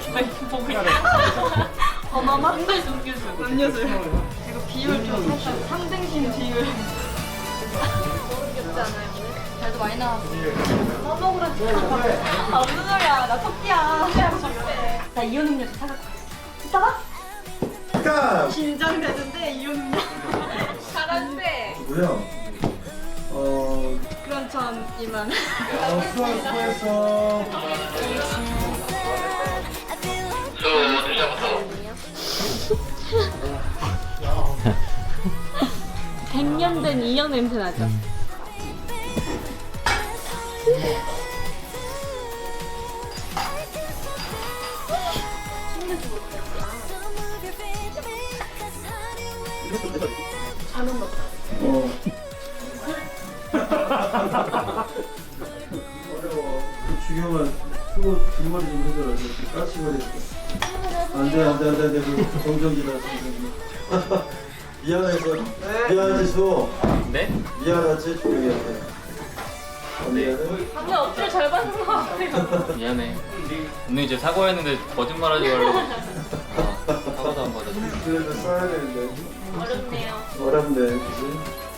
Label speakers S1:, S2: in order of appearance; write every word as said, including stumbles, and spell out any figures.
S1: 바나나? 음료수 음료수 음료수 이거 비율 좀 살짝 상등심 비율 귀엽지 않아요? 잘도 많이 나왔어 써먹으라 진짜 아 무슨 소리야 나 토끼야 나 이온 음료수 사갖고 이따가?
S2: 가!
S1: 긴장되는데 이온 음료 잘한대
S2: 뭐야? 어...
S1: 그런 전 이만
S2: 어, 수고, 수고했어.
S1: 백 년 된 이형 냄새 나죠? 잘못 넣었다
S2: 어. 어려워. 그 중요한 수고 뒷머리 좀 해줘라. 이렇게 까치머리. 안돼 안돼 안돼 안돼. 그 정전기다 정전기. 미안해서 미안해 수.
S3: 네?
S2: 미안하지 조용히한테. 미안해.
S1: 근데 어떻게 잘 받는 것 같아요
S3: 미안해. 오늘 이제 사과했는데 거짓말하지 말라고. 아, 사과도 안 받아줘.
S2: 그래도 써야 되는데.
S1: 어렵네요
S2: 어렵네, 그지?